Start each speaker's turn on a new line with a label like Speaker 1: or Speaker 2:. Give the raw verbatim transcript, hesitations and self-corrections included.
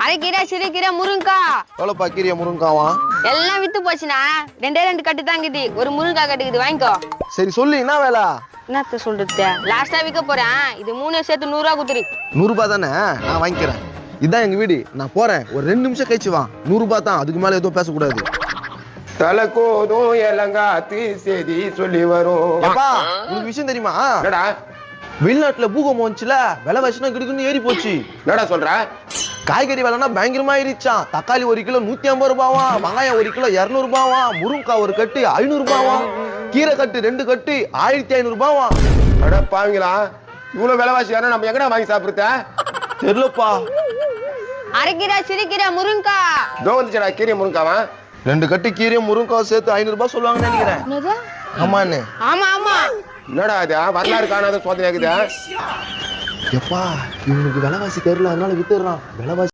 Speaker 1: அரைக்கீரை சிறுகீரை முருங்கா
Speaker 2: எவ்வளோப்பா கீரை முருங்காவா?
Speaker 1: எல்லாம் வித்து போச்சுண்ணா. ரெண்டே ரெண்டு கட்டு தாங்குது. ஒரு முருங்கா கட்டுக்குது, வாங்கிக்கோ.
Speaker 2: சரி சொல்லு, என்ன வேலை?
Speaker 1: என்னத்த சொல்றது, லாஸ்டா விற்க போறேன். இது மூணு சேர்த்து நூறு ரூபா குத்துரு.
Speaker 2: நூறு ரூபாய் தானே, நான் வாங்கிக்கிறேன். இதான் எங்க வீடு, நான் போறேன். ஒரு ரெண்டு நிமிஷம் கழிச்சு வா. நூறு ரூபாய் தான், அதுக்கு மேல எதுவும் பேசக்கூடாது.
Speaker 3: தலைக்கோதும் எலங்காத்தி செய்தி சொல்லி வரும்.
Speaker 2: உங்களுக்கு விஷயம் தெரியுமா?
Speaker 3: என்னடா
Speaker 2: வெளிநாட்டுல பூகம்பம் வந்துச்சுல, விலை வச்சுனா கிடுக்குன்னு ஏறி போச்சு.
Speaker 3: என்னடா சொல்ற?
Speaker 2: காய்கறி விலைனா பயங்கரமா ஏறிச்சான். தக்காளி ஒரு கிலோ நூத்தி ஐம்பது ரூபாவா, வெங்காயம் ஒரு கிலோ இருநூறு ரூபாவா, முருங்கக்காய் ஒரு கட்டு ஐநூறு ரூபாவா, கீரை கட்டு ரெண்டு கட்டு ஆயிரத்தி ஐநூறு ரூபாவா.
Speaker 3: அட பாவீங்களா, இவ்வளவு விலைவாசி யாரா நம்ம எங்கடா வாங்கி சாப்பிடுறத?
Speaker 2: தெரியலப்பா.
Speaker 1: அரைக்கீரை சிறுகீரை முருங்கா
Speaker 3: இதோ வந்துச்சுடா கீரை முருங்காவா.
Speaker 2: ரெண்டு கட்டு கீரையும் முருங்காவும் சேர்த்து ஐநூறு ரூபாய் சொல்லுவாங்கன்னு நினைக்கிறேன். ஆமாண்ணே.
Speaker 1: ஆமா ஆமா.
Speaker 3: என்னடா இது வரலாறு காணாத சோதனை ஆகுது.
Speaker 2: எப்பா இவனுக்கு விலைவாசி தெரியல, அதனால வித்துடுறான். விலைவாசி